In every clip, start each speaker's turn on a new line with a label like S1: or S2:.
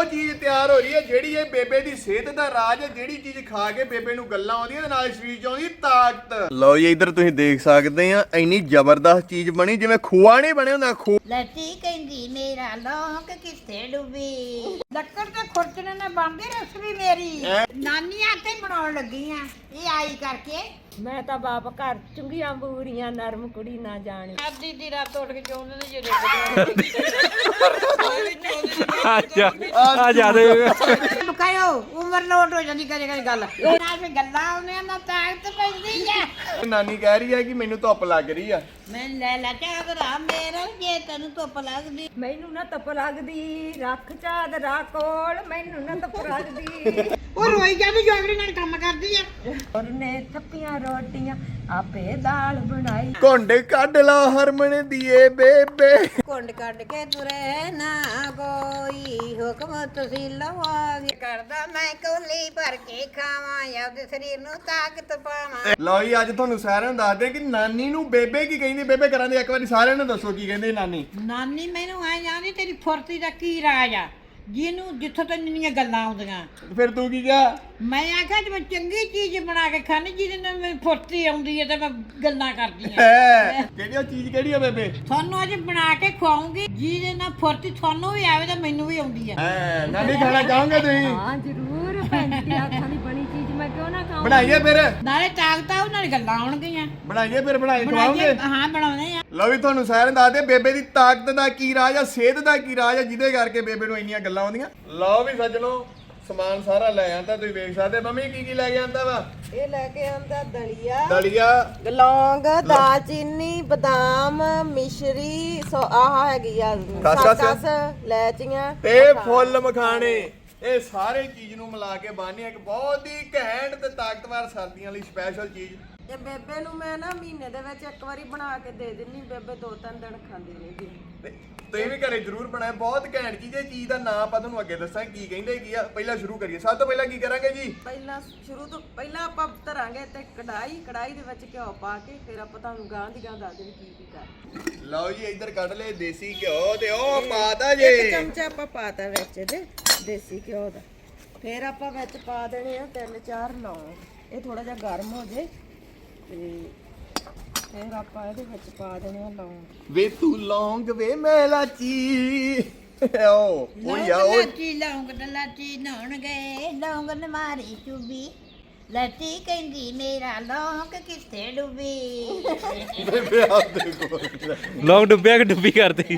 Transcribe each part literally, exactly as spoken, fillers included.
S1: ਚੀਜ਼ ਤਿਆਰ ਹੋ ਰਹੀ ਹੈ ਜਿਹੜੀ ਇਹ ਬੇਬੇ ਦੀ ਸਿਹਤ ਦਾ ਰਾਜ ਹੈ, ਜਿਹੜੀ ਚੀਜ਼ ਖਾ ਕੇ ਬੇਬੇ ਨੂੰ ਗੱਲਾਂ ਆਉਂਦੀਆਂ ਤੇ ਨਾਲ ਸਰੀਰ 'ਚ ਆਉਂਦੀ ਤਾਕਤ। ਲਓ ਜੀ ਇੱਧਰ ਤੁਸੀਂ ਦੇਖ ਸਕਦੇ ਆ ਇੰਨੀ ਜ਼ਬਰਦਸਤ ਚੀਜ਼ ਬਣੀ ਜਿਵੇਂ ਖੋਆ ਨਹੀਂ ਬਣਿਆ ਹੁੰਦਾ। ਖੋ
S2: ਲੱਤੀ ਕਹਿੰਦੀ ਮੇਰਾ ਲੌਂਗ ਕਿੱਥੇ ਡੁੱਬੀ, ਲੱਕੜ ਤੇ ਖੁਰਚਣੇ ਨਾਲ ਬਣਦੀ ਰਸਮੀ ਮੇਰੀ, ਨਾਨੀ ਆਤੇ ਬਣਾਉਣ ਲੱਗੀ ਆ ਇਹ ਆਈ ਕਰਕੇ।
S3: ਮੈਂ ਤਾਂ ਬਾਪ ਘਰ ਚੁੰਗੀਆਂ ਬੂਰੀਆਂ ਨਰਮ ਕੁੜੀ ਨਾ ਜਾਣੀ।
S2: ਅੱਧੀ ਦੀ ਰਾਤ ਉੱਠ ਕੇ ਚੋਂਦੇ ਨੇ ਜਿਹੜੇ
S4: ਆ ਜਾਦੇ
S2: ਲੁਕਾਇਓ ਉਮਰ ਲੋਟ ਹੋ ਜਾਂਦੀ ਕਦੇ ਕਦੇ ਗੱਲ ਨਾਲ ਵੀ ਗੱਲਾਂ ਆਉਂਦੀਆਂ ਨਾ ਤਾਕਤ ਪੈਂਦੀ ਆ।
S1: ਨਾਨੀ ਕਹਿ ਰਹੀ ਹੈ ਕਿ ਮੈਨੂੰ ਧੁੱਪ ਲੱਗ ਰਹੀ ਆ।
S2: ਮੈਂ ਲੈ ਲੈ ਚਾਦਰਾ ਮੇਰਾ ਜੇ ਤੈਨੂੰ ਧੁੱਪ ਲੱਗਦੀ।
S3: ਮੈਨੂੰ ਨਾ ਧੁੱਪ ਲੱਗਦੀ, ਰੱਖ ਚਾਦਰਾ ਕੋਲ ਮੈਨੂੰ ਨਾ ਧੁੱਪ ਲੱਗਦੀ।
S2: ਉਹ ਰੋਈ ਜਾਂਦੀ ਜੋਗੜੀ ਨਾਲ ਕੰਮ ਕਰਦੀ ਆ।
S3: ਉਹਨੇ ਥੱਪੀਆਂ ਰੋਟੀਆਂ ਆਪੇ ਦਾਲ ਬਣਾਈ।
S1: ਘੁੰਡ ਕੱਢ ਲਾ ਹਰਮਨ ਦੀਏ ਬੇਬੇ।
S2: ਕੁੰਡ ਕੱਢ ਕੇ ਤੁਰੇ ਨਾ ਕੋਈ ਹੁਕਮ ਤੁਸੀਂ ਲਵਾਗੇ ਕਰਦਾ ਮੈਂ ਕੋਲੀ ਭਰ ਕੇ ਖਾਵਾਂ ਆਪਦੇ ਸਰੀਰ ਨੂੰ ਤਾਕਤ ਪਾਵਾਂ।
S1: ਲਓ ਜੀ ਅੱਜ ਤੁਹਾਨੂੰ ਸਾਰਿਆਂ ਨੂੰ ਦੱਸਦੇ ਕਿ ਨਾਨੀ ਨੂੰ ਬੇਬੇ ਕੀ ਕਹਿੰਦੀ। ਬੇਬੇ ਕਰਾਂ ਦੇ ਇੱਕ ਵਾਰੀ ਸਾਰਿਆਂ ਨੂੰ ਦੱਸੋ ਕੀ ਕਹਿੰਦੇ ਨਾਨੀ।
S2: ਨਾਨੀ ਮੈਨੂੰ ਐ ਜਾਂਦੀ ਤੇਰੀ ਫੁਰਤੀ ਦਾ ਕੀ ਰਾਜ ਆ ਜਿਹਨੂੰ ਜਿੱਥੋਂ ਤੈਨੂੰ ਇੰਨੀਆਂ ਗੱਲਾਂ ਆਉਂਦੀਆਂ।
S1: ਫਿਰ ਤੂੰ ਕੀ ਕਿਹਾ?
S2: ਮੈਂ ਆਖਿਆ ਜੇ ਮੈਂ ਚੰਗੀ ਚੀਜ਼ ਬਣਾ ਕੇ ਖਾਣੀ ਜਿਹਦੇ ਨਾਲ ਮੈਨੂੰ ਫੁਰਤੀ ਆਉਂਦੀ ਹੈ ਤੇ ਮੈਂ ਗੱਲਾਂ ਕਰਦੀ ਆ।
S1: ਹੈ ਕਿਹੜੀ ਉਹ ਚੀਜ਼ ਕਿਹੜੀ ਆ ਬੇਬੇ?
S2: ਤੁਹਾਨੂੰ ਅੱਜ ਬਣਾ ਕੇ ਖਵਾਉਂਗੀ ਜਿਹਦੇ ਨਾਲ ਫੁਰਤੀ ਤੁਹਾਨੂੰ ਵੀ ਆਵੇ ਤੇ ਮੈਨੂੰ ਵੀ ਆਉਂਦੀ ਆ।
S1: ਹੈ ਨਾਨੀ ਖਾਣਾ ਚਾਹੋਗੇ ਤੁਸੀਂ?
S3: ਹਾਂ ਜ਼ਰੂਰ ਪੈਂਤੀ ਹੱਥਾਂ ਦੀ ਬਣੀ ਚੀਜ਼ ਮੈਂ ਕਿਉਂ ਨਾ ਖਾਵਾਂ।
S1: ਬਣਾਈਏ ਫਿਰ।
S2: ਨਾਲੇ ਤਾਕਤ ਆਉ ਨਾਲੇ ਗੱਲਾਂ ਆਉਣਗੀਆਂ।
S1: ਬਣਾਈਏ ਫਿਰ ਬਣਾਈ
S2: ਬਣਾਈਏ
S1: ਖਵਾਓਗੇ?
S2: ਹਾਂ ਬਣਾਉਣੇ ਆ।
S1: ਲਓ ਵੀ ਤੁਹਾਨੂੰ ਸਾਰਿਆਂ ਨੂੰ ਦੱਸਦੇ ਬੇਬੇ ਦੀ ਤਾਕਤ ਦਾ ਕੀ ਰਾਜ ਆ, ਸਿਹਤ ਦਾ ਕੀ ਰਾਜ ਆ ਜਿਹਦੇ ਕਰਕੇ ਬੇਬੇ ਨੂੰ ਇੰਨੀਆਂ ਗੱਲਾਂ ਆਉਂਦੀਆਂ। ਲਓ ਵੀ ਸੱਜਣੋ ਸਮਾਨ ਸਾਰਾ ਲੈ ਆਂਦਾ ਤੁਸੀਂ ਵੇਖ ਸਕਦੇ। ਮੰਮੀ ਕੀ ਕੀ ਲੈ ਕੇ ਆਂਦਾ ਵਾ?
S3: ਇਹ ਲੈ ਕੇ ਆਂਦਾ ਦਲੀਆ,
S1: ਦਲੀਆ,
S3: ਲੌਂਗ, ਦਾਲਚੀਨੀ, ਬਦਾਮ, ਮਿਸ਼ਰੀ, ਸੋ ਆਹ ਹੈਗੀ ਆ
S1: ਖਸਖਸ,
S3: ਖਸਖਸ, ਲੈਚੀਆਂ
S1: ਤੇ ਫੁੱਲ ਮਖਾਣੇ। ਇਹ ਸਾਰੇ ਚੀਜ਼ ਨੂੰ ਮਿਲਾ ਕੇ ਬਣਨੀ ਇੱਕ ਬਹੁਤ ਹੀ ਘੈਂਟ ਤੇ ਤਾਕਤਵਰ ਸਰਦੀਆਂ ਲਈ ਸਪੈਸ਼ਲ ਚੀਜ਼।
S3: ਇਹ ਬੇਬੇ ਨੂੰ ਮੈਂ ਨਾ ਮਹੀਨੇ ਦੇ ਵਿੱਚ ਇੱਕ ਵਾਰੀ ਬਣਾ ਕੇ ਦੇ ਦਿੰਨੀ। ਬੇਬੇ ਦੋ ਤਿੰਨ ਦਿਨ ਖਾਂਦੀ ਰਹੇਗੀ।
S1: ਤੇ ਤੁਸੀਂ ਵੀ ਘਰੇ ਜ਼ਰੂਰ ਬਣਾਏ। ਬਹੁਤ ਘੈਂਟ ਚੀਜ਼। ਇਹ ਚੀਜ਼ ਦਾ ਨਾਮ ਆਪਾਂ ਤੁਹਾਨੂੰ ਅੱਗੇ ਦੱਸਾਂਗੇ ਕੀ ਕਹਿੰਦੇ ਕੀ ਆ। ਪਹਿਲਾਂ ਸ਼ੁਰੂ ਕਰੀਏ। ਸਭ ਤੋਂ ਪਹਿਲਾਂ ਕੀ ਕਰਾਂਗੇ ਜੀ?
S3: ਪਹਿਲਾਂ ਸ਼ੁਰੂ ਤੋਂ ਪਹਿਲਾਂ ਆਪਾਂ ਧਰਾਂਗੇ ਤੇ ਕੜਾਈ ਕੜਾਈ ਦੇ ਵਿੱਚ ਘਿਓ ਪਾ ਕੇ ਫਿਰ ਆਪਾਂ ਤੁਹਾਨੂੰ ਗਾਂ ਦੀ ਗਾਂ ਦੱਸ ਦੇ ਕੀ ਕੀ ਕਰ।
S1: ਲਓ ਜੀ ਇੱਧਰ ਕੱਢ ਲਏ ਦੇਸੀ ਘਿਓ ਤੇ ਉਹ ਪਾਤਾ ਜੇ
S3: ਇੱਕ ਚਮਚਾ ਆਪਾਂ ਪਾਤਾ ਵਿੱਚ ਇਹਦੇ ਦੇਸੀ ਘਿਓ ਦਾ। ਫਿਰ ਆਪਾਂ ਵਿੱਚ ਪਾ ਦੇਣੇ ਆ ਤਿੰਨ ਚਾਰ ਲੌਂਗ। ਇਹ ਥੋੜਾ ਜਿਹਾ ਗਰਮ ਹੋ ਜੇ ਤੇ ਫਿਰ ਆਪਾਂ ਇਹਦੇ ਵਿੱਚ ਪਾ ਦੇਣੇ ਆ ਲੌਂਗ।
S1: ਵੇ ਤੂੰ ਲੌਂਗ ਵੇ ਮੈਂ ਲਾਚੀ। ਓ ਉਹ ਯਾ ਉਹ
S2: ਲਾਚੀ ਲੌਂਗ ਤੇ ਲਾਚੀ ਨਹਾਉਣ ਗਏ ਲੌਂਗ ਨੇ ਮਾਰੀ ਚੁੱਬੀ, ਲਾਚੀ ਕਹਿੰਦੀ ਮੇਰਾ ਲੌਂਗ ਕਿੱਥੇ ਡੁੱਬੀ।
S1: ਬੇਬੇ ਆਪ ਦੇਖੋ
S4: ਲੋਕ ਡੁੱਬਿਆ ਕਿ ਡੁੱਬੀ ਕਰਦੀ।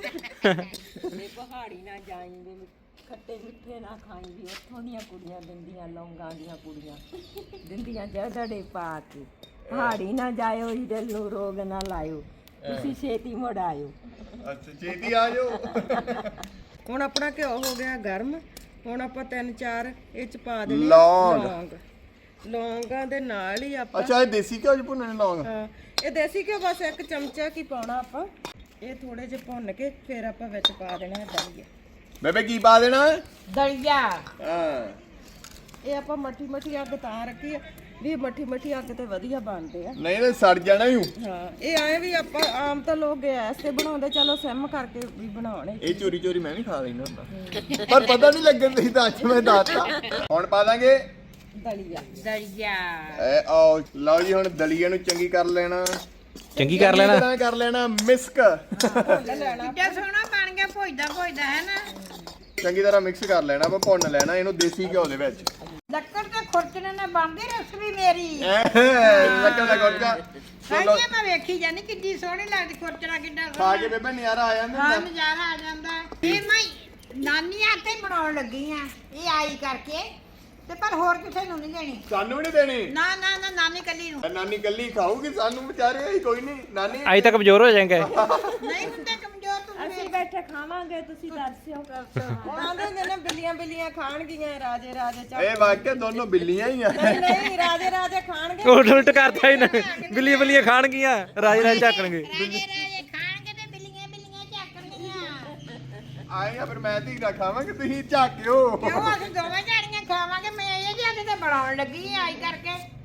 S3: ਇਹ ਪਹਾੜੀ ਨਾ ਜਾਈਂਦੇ, ਖੱਟੇ ਮਿੱਠੇ ਨਾ ਖਾਈਂਦੀ। ਉੱਥੋਂ ਦੀਆਂ ਕੁੜੀਆਂ ਦਿੰਦੀਆਂ ਲੌਂਗਾਂ ਦੀਆਂ ਕੁੜੀਆਂ ਦਿੰਦੀਆਂ ਜੜੜੇ ਪਾ ਕੇ। ਪਹਾੜੀ ਨਾ ਜਾਇਓ ਹੀਰੇ ਨੂੰ ਰੋਗ ਨਾ ਲਾਇਓ, ਤੁਸੀਂ ਛੇਤੀ ਮੁੜ ਆਇਓ।
S1: ਅੱਛਾ ਛੇਤੀ ਆ ਜਾਓ।
S3: ਹੁਣ ਆਪਣਾ ਘਿਓ ਹੋ ਗਿਆ ਗਰਮ। ਹੁਣ ਆਪਾਂ ਤਿੰਨ ਚਾਰ ਇਹ ਚ ਪਾ ਦੇਣੇ
S1: ਲੌਂਗ।
S3: ਲੌਂਗ। ਲੌਂਗਾਂ ਦੇ ਨਾਲ ਹੀ ਆਪਾਂ
S1: ਅੱਛਾ ਇਹ ਦੇਸੀ ਘਿਓ ਚ ਭੁੰਨਣੇ ਲੌਂਗ?
S3: ਹਾਂ ਇਹ ਦੇਸੀ ਘਿਓ ਬਸ ਇੱਕ ਚਮਚਾ ਕੀ ਪਾਉਣਾ ਆਪਾਂ। ਇਹ ਥੋੜੇ ਜਿਹੇ ਭੁੰਨ ਕੇ ਫਿਰ ਆਪਾਂ ਵਿੱਚ ਪਾ ਦੇਣਾ ਦਲੀਆ।
S1: ਬੇਬੇ ਕੀ ਪਾ ਦੇਣਾ?
S2: ਦਲੀਆ।
S1: ਹਾਂ
S3: ਇਹ ਆਪਾਂ ਮੱਠੀ ਮੱਠੀ ਅੱਗ ਤਾਂ ਰੱਖੀ ਆ ਵੀ ਮੱਠੀ ਮੱਠੀ ਅੱਗ ਤੇ ਵਧੀਆ ਬਣਦੇ ਆ।
S1: ਨਹੀਂ ਤੇ ਸੜ ਜਾਣਾ ਹੀ।
S3: ਹਾਂ ਇਹ ਆਏ ਵੀ ਆਪਾਂ ਆਮ ਤਾਂ ਲੋਕ ਗੈਸ ਤੇ ਬਣਾਉਂਦੇ, ਚਲੋ ਸਿਮ ਕਰਕੇ ਵੀ ਬਣਾਉਣੇ।
S1: ਇਹ ਚੋਰੀ ਚੋਰੀ ਮੈਂ ਵੀ ਖਾ ਲੈਣਾ ਹੁੰਦਾ ਪਰ ਪਤਾ ਨਹੀਂ ਲੱਗਣ ਦੀ ਤਾਂ ਅੱਜ ਮੈਂ ਦੱਸਤਾ। ਹੁਣ ਪਾ ਦਾਂਗੇ
S3: ਦਲੀਆ।
S2: ਦਲੀਆ
S1: ਐ ਆਓ ਲਓ ਜੀ ਹੁਣ ਦਲੀਆ ਨੂੰ ਚੰਗੀ ਕਰ ਲੈਣਾ।
S4: ਚੰਗੀ ਕਰ ਲੈਣਾ।
S1: ਚੰਗੀ ਤਰ੍ਹਾਂ ਕਰ ਲੈਣਾ ਮਿਕਸ।
S2: ਕਿੱਡਾ ਸੋਹਣਾ ਬਣ ਗਿਆ ਭੁੱਜਦਾ ਭੁੱਜਦਾ ਹੈ ਨਾ।
S1: ਚੰਗੀ ਤਰ੍ਹਾਂ ਮਿਕਸ ਕਰ ਲੈਣਾ। ਆਪਾਂ ਭੁੰਨ ਲੈਣਾ ਇਹਨੂੰ ਦੇਸੀ ਘਿਓ ਦੇ ਵਿੱਚ।
S2: ਲੱਕੜ ਤੇ ਖੁਰਚਣੇ ਨਾਲ ਬਣਦੀ ਰਸਮੀ ਮੇਰੀ।
S1: ਲੱਕੜ ਦਾ ਗੁਰਕਾ
S2: ਸਾਈਆਂ ਮੈਂ ਵੇਖੀ ਜਾਨੀ ਕਿੱਡੀ ਸੋਹਣੀ ਲੱਗਦੀ ਖੁਰਚਣਾ ਕਿੱਡਾ
S1: ਖਾ
S2: ਸੋਹਣਾ।
S1: ਕੇ ਬੇਬੇ ਨਜ਼ਾਰਾ ਆ ਜਾਂਦਾ
S2: ਹਾਂ
S1: ਹੁੰਦਾ।
S2: ਨਜ਼ਾਰਾ ਆ ਜਾਂਦਾ। ਇਹ ਮੈਂ ਨਾਨੀ ਆਤੇ ਬਣਾਉਣ ਲੱਗੀ ਆ ਇਹ ਆਈ ਕਰਕੇ ਤੇ ਪਰ ਹੋਰ ਕਿਸੇ ਨੂੰ ਨਹੀਂ ਦੇਣੀ।
S1: ਸਾਨੂੰ ਵੀ ਨਹੀਂ ਦੇਣੀ।
S2: ਨਾ ਨਾ ਨਾ ਨਾਨੀ ਕੱਲੀ ਨੂੰ।
S1: ਨਾਨੀ ਕੱਲੀ ਖਾਊਗੀ, ਸਾਨੂੰ ਵਿਚਾਰੇ ਅਸੀਂ ਕੋਈ ਨਹੀਂ। ਨਾਨੀ
S4: ਅਜੇ ਤੱਕ ਕਮਜ਼ੋਰ ਹੋ ਜਾਏਗਾ।
S2: ਨਹੀਂ ਹੁੰਦੇ ਕਮਜ਼ੋਰ ਤੁਸੀਂ।
S3: ਅਸੀਂ ਬੈਠੇ ਖਾਵਾਂਗੇ, ਤੁਸੀਂ ਦੱਸਿਓ। ਆਂਦੇ ਹੁੰਦੇ ਨੇ ਬਿੱਲੀਆਂ ਬਿੱਲੀਆਂ ਖਾਣਗੀਆਂ ਰਾਜੇ ਰਾਜੇ ਚੱਕ।
S1: ਇਹ ਵਾਕਿਆ ਦੋਨੋਂ ਬਿੱਲੀਆਂ ਹੀ ਆ।
S3: ਨਹੀਂ ਨਹੀਂ ਰਾਜੇ ਰਾਜੇ ਖਾਣਗੇ।
S4: ਉਲਟ ਉਲਟ ਕਰਦਾ ਇਹਨਾਂ ਬਿੱਲੀਆਂ ਬਿੱਲੀਆਂ ਖਾਣਗੀਆਂ ਰਾਜ ਰਾਜ ਝਾਕਣਗੇ।
S2: ਰਾਜੇ ਰਾਜੇ ਖਾਣਗੇ ਤੇ ਬਿੱਲੀਆਂ ਬਿੱਲੀਆਂ ਝਾਕਣਗੀਆਂ।
S1: ਆਏ ਆ ਫਿਰ ਮੈਂ ਧੀਰਾ ਖਾਵਾਂਗੇ ਤੁਸੀਂ ਝਾਕਿਓ।
S2: ਕਿਉਂ ਅਸੀਂ ਦੋਵੇਂ ਜਾਣੀਆਂ ਖਾਵਾਂਗੇ। ਮੈਂ ਇਹ ਜਿਹੇ ਤੇ ਬਣਾਉਣ ਲੱਗੀ ਆਈ ਕਰਕੇ।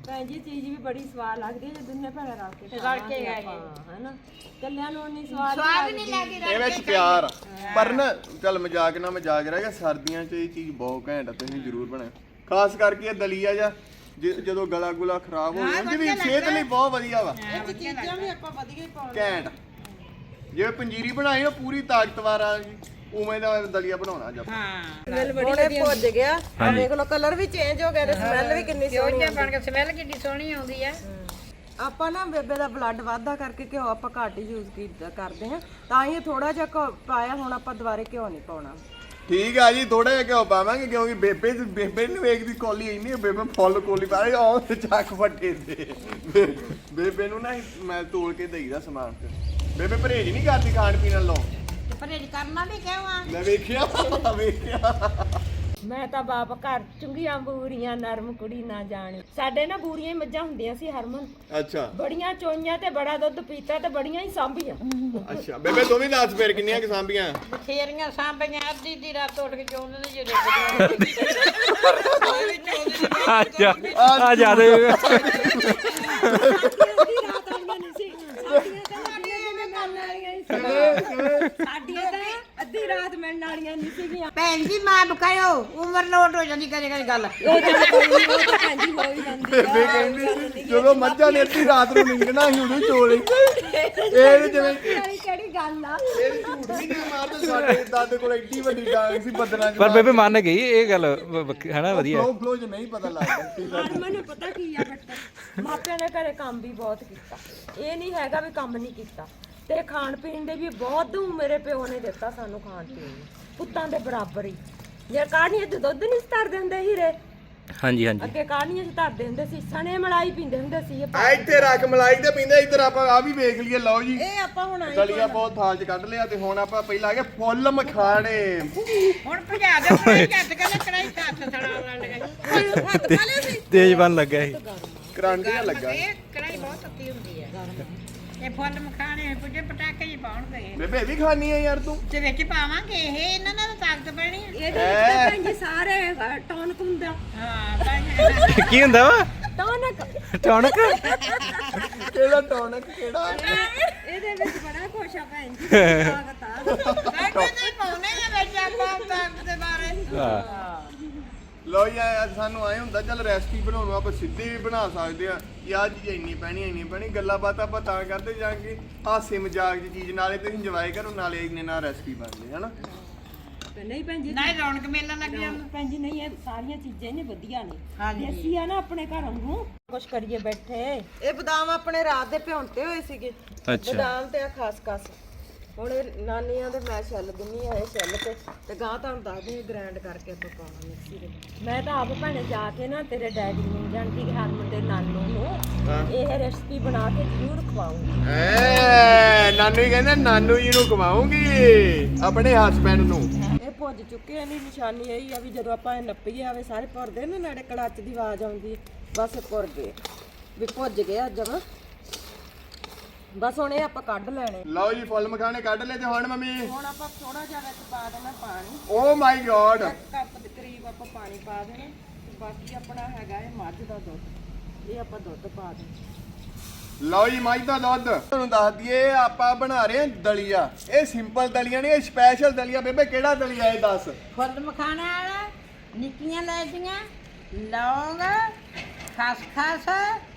S3: ਭੈਣ ਜੀ ਚੀਜ਼ ਵੀ ਬੜੀ ਸਵਾਦ ਲੱਗਦੀ ਹੈ ਜੇ ਦੁੰਨੇ ਭੈਣਾਂ ਰਲ ਕੇ
S2: ਰਲ ਕੇ
S3: ਖਾਵਾਂਗੇ
S2: ਖਾਈਏ।
S3: ਆਪਾਂ, ਹਨਾ ਕੱਲਿਆਂ ਨੂੰ ਨਹੀਂ ਸਵਾਦ
S2: ਸਵਾਦ ਨਹੀਂ ਲੱਗਦੀ
S1: ਇਹ ਵਿੱਚ ਪਿਆਰ ਆ। ਪਰ ਨਾ ਚੱਲ ਮਜ਼ਾਕ ਨਾ ਮਜ਼ਾਕ ਰਹਿ ਗਿਆ, ਸਰਦੀਆਂ 'ਚ ਇਹ ਚੀਜ਼ ਬਹੁਤ ਘੈਂਟ ਆ, ਤੁਸੀਂ ਜ਼ਰੂਰ ਬਣਾਓ। ਖਾਸ ਕਰਕੇ ਇਹ ਦਲੀਆ ਜਾਂ ਜ- ਜਦੋਂ ਗਲਾ ਗੁਲਾ ਖਰਾਬ ਹੋ ਜਾਂਦਾ ਵੀ ਸਿਹਤ ਲਈ ਬਹੁਤ ਵਧੀਆ ਵਾ,
S3: ਚੀਜ਼ਾਂ ਵੀ ਆਪਾਂ ਵਧੀਆ ਹੀ ਪਾਉਣੀਆਂ।
S1: ਘੈਂਟ। ਜਿਵੇਂ ਪੰਜੀਰੀ ਬਣਾਈ ਉਹ ਪੂਰੀ ਤਾਕਤਵਰ ਆ ਜੀ, ਉਵੇਂ ਦਾ ਦਲੀਆ ਬਣਾਉਣਾ ਜਦ
S2: ਹਾਂ
S3: ਬੜੇ ਭੁੱਜ ਗਿਆ ਆ ਦੇਖ ਲਓ ਕਲਰ ਵੀ ਚੇਂਜ ਹੋ ਗਿਆ ਤੇ ਸਮੈਲ ਵੀ ਕਿੰਨੀ
S2: ਕਿਉਂ
S3: ਸੋਹਣੀ
S2: ਜਿਹਾ ਬਣ ਕੇ ਸਮੈਲ ਕਿੰਨੀ ਸੋਹਣੀ ਆਉਂਦੀ ਆ।
S3: ਆਪਾਂ ਨਾ ਬੇਬੇ ਦਾ ਬਲੱਡ ਵਾਧਾ ਕਰਕੇ ਘਿਓ ਆਪਾਂ ਘੱਟ ਯੂਜ਼ ਕੀਤਾ ਕਰਦੇ ਹਾਂ, ਤਾਂ ਹੀ ਥੋੜਾ ਜਿਹਾ ਘਿਓ ਪਾਇਆ, ਹੁਣ ਆਪਾਂ ਦੁਬਾਰੇ ਘਿਓ ਨਹੀਂ ਪਾਉਣਾ।
S1: ਠੀਕ ਆ ਜੀ, ਥੋੜਾ ਜਿਹਾ ਘਿਓ ਪਾਵਾਂਗੇ ਕਿਉਂਕਿ ਬੇਬੇ ਬੇਬੇ ਨੂੰ ਵੇਖਦੀ ਕੋਲੀ ਇੰਨੀ ਆ, ਬੇਬੇ ਫੁੱਲ ਕੋਲੀ ਪਾ ਰਹੀ ਆਉਂ ਤੇ ਚੱਕ ਫੱਟੇ ਦੇ ਬੇਬੇ ਨੂੰ ਨਾ ਮੈਂ ਤੋਲ ਕੇ ਦੇਈਦਾ ਸਮਾਨ ਤੇ। ਬੇਬੇ ਪਰਹੇਜ ਨਹੀਂ ਕਰਦੀ ਖਾਣ ਪੀਣ ਨਾਲੋਂ।
S2: ਤੇ ਪਰਹੇਜ ਕਰਨਾ ਵੀ ਕਿਉਂ ਆ?
S1: ਮੈਂ ਵੇਖਿਆ ਵੇਖਿਆ
S3: ਮੈਂ ਤਾਂ ਬਾਪ ਘਰ ਚੁੰਗੀਆਂ ਬੂਰੀਆਂ ਨਰਮ ਕੁੜੀ ਨਾ ਜਾਣੀ। ਸਾਡੇ ਨਾ ਬੂਰੀਆਂ ਹੀ ਮੱਝਾਂ ਹੁੰਦੀਆਂ ਸੀ ਹਰਮਨ,
S1: ਅੱਛਾ
S3: ਬੜੀਆਂ ਚੋਈਆਂ ਤੇ ਬੜਾ ਦੁੱਧ ਪੀਤਾ ਤੇ ਬੜੀਆਂ ਹੀ ਸਾਂਭੀਆਂ।
S1: ਅੱਛਾ ਬੇਬੇ ਤੂੰ ਵੀ ਦੱਸ ਫੇਰ ਕਿੰਨੀਆਂ ਕਿ ਸਾਂਭੀਆਂ?
S2: ਬਥੇਰੀਆਂ ਸਾਂਭੀਆਂ, ਅੱਧੀ ਦੀ ਰਾਤ ਉੱਠ ਕੇ ਚੋਂਦੇ ਨੇ ਜਿਹੜੇ
S4: ਆ ਜਾ ਆ ਜਾ ਦੇ
S3: ਸਾਡੀਆਂ ਤਾਂ ਅੱਧੀ ਰਾਤ ਮਿਲਣ ਵਾਲੀਆਂ ਨਹੀਂ ਸੀਗੀਆਂ।
S2: ਭੈਣ ਜੀ ਮਾਂ ਬਕਾਇਓ, ਉਮਰ ਲੋਟ ਹੋ ਜਾਂਦੀ ਕਦੇ ਕਦੇ ਗੱਲ।
S3: ਉਹ ਤਾਂ ਕੋਈ ਨੀ, ਉਹ ਤਾਂ ਭੈਣ ਜੀ ਹੋ ਹੀ ਜਾਂਦੀ
S1: ਬੇਬੇ ਕਹਿੰਦੀ ਜਦੋਂ ਮੱਝਾਂ ਨੇ ਅੱਧੀ ਰਾਤ ਨੂੰ ਨਿੰਗਣਾ ਸੀ ਉਦੋਂ ਚੋਲੀ ਇਹ ਜਿਵੇਂ
S3: ਵਾਲੀ ਕਿਹੜੀ ਗੱਲ ਆ।
S1: ਇਹ ਝੂਠ ਵੀ ਨਹੀਂ ਮਾਰਦੇ, ਸਾਡੇ ਦਾਦੇ ਕੋਲ ਐਡੀ ਵੱਡੀ ਡਾਂਗ ਸੀ ਬੱਦਲਾਂ 'ਚ।
S4: ਪਰ ਬੇਬੇ ਮੰਨ ਗਈ ਇਹ ਗੱਲ ਵ- ਵ- ਹਨਾ ਵਧੀਆ
S1: ਫਲੋ ਫਲੋ 'ਚ ਨਹੀਂ ਪਤਾ ਲੱਗਦਾ।
S3: ਹਰਮਨ ਨੂੰ ਪਤਾ ਕੀ ਆ ਬੇਟਾ, ਮਾਪਿਆਂ ਨੇ ਘਰੇ ਕੰਮ ਵੀ ਬਹੁਤ ਕੀਤਾ, ਇਹ ਨਹੀਂ ਹੈਗਾ ਵੀ ਕੰਮ ਨਹੀਂ ਕੀਤਾ। ਤੇ ਖਾਣ ਪੀਣ ਦੇ ਵੀ ਬਹੁਤ ਮੇਰੇ ਪਿਓ ਨੇ ਦਿੱਤਾ ਸਾਨੂੰ ਖਾਣ ਪੀਣ ਨੂੰ, ਪੁੱਤਾਂ ਦੇ ਬਰਾਬਰ ਹੀ। ਜੇ ਕਾਹਨੀਆਂ 'ਚ ਦੁੱਧ ਨਹੀਂ ਧਰ ਦਿੰਦੇ ਹੀਰੇ,
S4: ਹਾਂਜੀ ਹਾਂਜੀ
S3: ਅੱਗੇ ਕਾਹਨੀਆਂ 'ਚ ਧਰਦੇ ਹੁੰਦੇ ਸੀ, ਸਣੇ ਮਲਾਈ ਪੀਂਦੇ ਹੁੰਦੇ ਸੀ। ਇਹ
S1: ਆ ਇੱਥੇ ਰੱਖ ਮਲਾਈ ਤੇ ਪੀਂਦੇ, ਇੱਧਰ ਆਪਾਂ ਆ ਵੀ ਵੇਖ ਲਈਏ। ਲਓ ਜੀ
S3: ਇਹ ਆਪਾਂ ਹੁਣ ਆਏ
S1: ਦਲੀਆ ਬਹੁਤ ਥਾਲ 'ਚ ਕੱਢ ਲਿਆ ਤੇ ਹੁਣ ਆਪਾਂ ਪਹਿਲਾਂ ਆ ਗਏ ਫੁੱਲ ਮਖਾਣੇ।
S2: ਹੁਣ ਭਜਾ ਦੇ ਕੜਾਈ ਚੱਟ ਕੇ ਨਾ ਕੜਾਈ ਹੱਥ ਸੜਾ ਲੜ ਗਈ। ਹੱਥ ਖਾ ਲਿਆ ਸੀ।
S4: ਤੇਜ਼ ਬਣ ਲੱਗਾ ਇਹ
S1: ਕਰੰਟ ਜਿਹਾ ਲੱਗਾ।
S2: ਇਹ ਕੜਾਈ ਬਹੁਤ ਤੱਤੀ ਹੁੰਦੀ ਆ। ਇਹ ਫੁੱਲ ਮਖਾਣੇ ਪੁੱਜੇ ਪਟਾਕੇ ਜੀ ਪਾਉਣਗੇ
S1: ਬੇਬੇ ਇਹ ਵੀ ਖਾਣੀ ਆ ਯਾਰ ਤੂੰ?
S2: ਤੇ ਵਿੱਚ ਪਾਵਾਂਗੇ ਇਹ, ਇਹਨਾਂ ਨਾਲ ਤਾਂ ਤਾਕਤ ਪੈਣੀ ਆ।
S3: ਇਹਦੇ ਵਿੱਚ ਤਾਂ ਭੈਣ ਜੀ ਸਾਰੇ ਟੌਨਕ ਹੁੰਦਾ।
S2: ਹਾਂ ਤਾਂ
S4: ਕੀ ਹੁੰਦਾ ਵਾ
S3: ਟੌਨਕ
S4: ਟੌਨਕ
S1: ਕਿਹੜਾ ਟੌਨਕ ਕਿਹੜਾ?
S3: ਇਹਦੇ ਵਿੱਚ ਬੜਾ ਖੁਸ਼ ਆ ਭੈਣ ਜੀ, ਤਾਕਤ ਆ।
S2: ਤਾਕਤ ਨਹੀਂ ਪਾਉਣੇ ਆ ਵਿੱਚ ਆਪਾਂ ਤਾਕਤ ਦੇ ਬਾਰੇ।
S4: ਹਾਂ
S1: ਲਓ ਜੀ ਅੱਜ ਸਾਨੂੰ ਆਏ ਹੁੰਦਾ ਚੱਲ ਰੈਸਪੀ ਬਣਾਉਣ ਨੂੰ ਆਪਾਂ ਸਿੱਧੀ ਵੀ ਬਣਾ ਸਕਦੇ ਆ ਕਿ ਆਹ ਚੀਜ਼ ਇੰਨੀ ਪੈਣੀ ਇੰਨੀ ਪੈਣੀ। ਗੱਲਾਂ ਬਾਤਾਂ ਆਪਾਂ ਤਾਂ ਕਰਦੇ ਜਾਾਂਗੇ, ਹਾਸੇ ਮਜ਼ਾਕ ਦੀ ਚੀਜ਼, ਨਾਲੇ ਤੁਸੀਂ ਇੰਜੋਏ ਕਰੋ ਨਾਲੇ ਇੰਨੇ ਨਾਲ ਰੈਸਪੀ ਬਣਦੀ ਹੈ ਨਾ।
S3: ਨਹੀਂ ਭੈਣ ਜੀ,
S2: ਨਹੀਂ ਰੌਣਕ ਮੇਲਾ ਲੱਗ ਜਾਂਦਾ।
S3: ਭੈਣ ਜੀ ਨਹੀਂ, ਇਹ ਸਾਰੀਆਂ ਚੀਜ਼ਾਂ ਨੇ ਵਧੀਆ ਨੇ,
S2: ਹਾਂਜੀ।
S3: ਦੇਸੀ ਆ ਨਾ ਆਪਣੇ ਘਰ ਵਾਂਗੂ। ਕੁਛ ਕਰੀਏ ਬੈਠੇ। ਇਹ ਬਦਾਮ ਆਪਣੇ ਰਾਤ ਦੇ ਭਿਉਂਤੇ ਹੋਏ ਸੀਗੇ,
S4: ਅੱਛਾ
S3: ਬਦਾਮ ਤੇ ਆ ਖਸਖਸ। ਹੁਣ ਇਹ ਨਾਨੀਆਂ ਦੇ ਮੈਂ ਛੱਲ ਦਿੰਨੀ ਆ, ਇਹ ਛੱਲ ਤੇ ਤੇ ਗਾਂ ਤੁਹਾਨੂੰ ਦੱਸਦੀ ਗ੍ਰਾਈਂਡ ਕਰਕੇ ਆਪਾਂ ਪਾਵਾਂ ਮਿਕਸੀ ਦੇ। ਮੈਂ ਤਾਂ ਆਪ ਭੈਣੇ ਜਾ ਕੇ ਨਾ ਤੇਰੇ ਡੈਡੀ ਨੂੰ ਜਾਣਦੀ ਕਿ ਹਰਮਨ ਦੇ ਨਾਨੂ ਨੂੰ ਇਹ ਰੈਸਪੀ ਬਣਾ ਕੇ ਜ਼ਰੂਰ ਖਵਾਉਂਗੀ।
S1: ਐ ਨਾਨੂ ਹੀ ਕਹਿੰਦਾ ਨਾਨੂ ਜੀ ਨੂੰ ਕਮਾਉਂਗੀ ਆਪਣੇ ਹਸਬੈਂਡ ਨੂੰ।
S3: ਇਹ ਭੁੱਜ ਚੁੱਕੇ ਆ, ਨਹੀਂ ਨਿਸ਼ਾਨੀ ਇਹੀ ਆ ਵੀ ਜਦੋਂ ਆਪਾਂ ਇਹ ਨੱਪੀਏ ਆਵੇ ਸਾਰੇ ਭੁਰਦੇ ਨੇ, ਨਾਲੇ ਕੜਾਚ ਦੀ ਆਵਾਜ਼ ਆਉਂਦੀ ਹੈ, ਬਸ ਭੁਰ ਗਏ ਵੀ ਭੁੱਜ ਗਏ ਅੱਜ ਜਮਾਂ। ਬਸ ਹੁਣ ਇਹ ਆਪਾਂ ਕੱਢ ਲੈਣੇ।
S1: ਲਓ ਜੀ ਫੁੱਲ ਮਖਾਣੇ ਕੱਢ ਲਏ ਤੇ ਹੁਣ ਮੰਮੀ
S3: ਹੁਣ ਆਪਾਂ ਥੋੜਾ ਜਿਹਾ ਵਿੱਚ ਪਾ ਦੇਣਾ ਪਾਣੀ,
S1: ਓ ਮਾਈ ਗॉड
S3: ਇੱਕ ਕੱਪ ਦੇ ਕਰੀਬ ਆਪਾਂ ਪਾਣੀ ਪਾ ਦੇਣਾ। ਤੇ ਬਾਕੀ ਆਪਣਾ ਹੈਗਾ ਇਹ ਮੱਝ ਦਾ ਦੁੱਧ, ਇਹ ਆਪਾਂ ਦੁੱਧ ਪਾ ਦੇਣਾ।
S1: ਲਓ ਜੀ ਮੱਝ ਦਾ ਦੁੱਧ। ਤੁਹਾਨੂੰ ਦੱਸ ਦਈਏ ਆਪਾਂ ਬਣਾ ਰਹੇ ਹਾਂ ਦਲੀਆ। ਇਹ ਸਿੰਪਲ ਦਲੀਆ ਨਹੀਂ, ਇਹ ਸਪੈਸ਼ਲ ਦਲੀਆ। ਬੇਬੇ ਕਿਹੜਾ ਦਲੀਆ ਇਹ ਦੱਸ?
S2: ਫੁੱਲ ਮਖਾਣੇ ਵਾਲਾ, ਨਿੱਕੀਆਂ ਲੈਚੀਆਂ, ਲੌਂਗ, ਖਸਖਸ,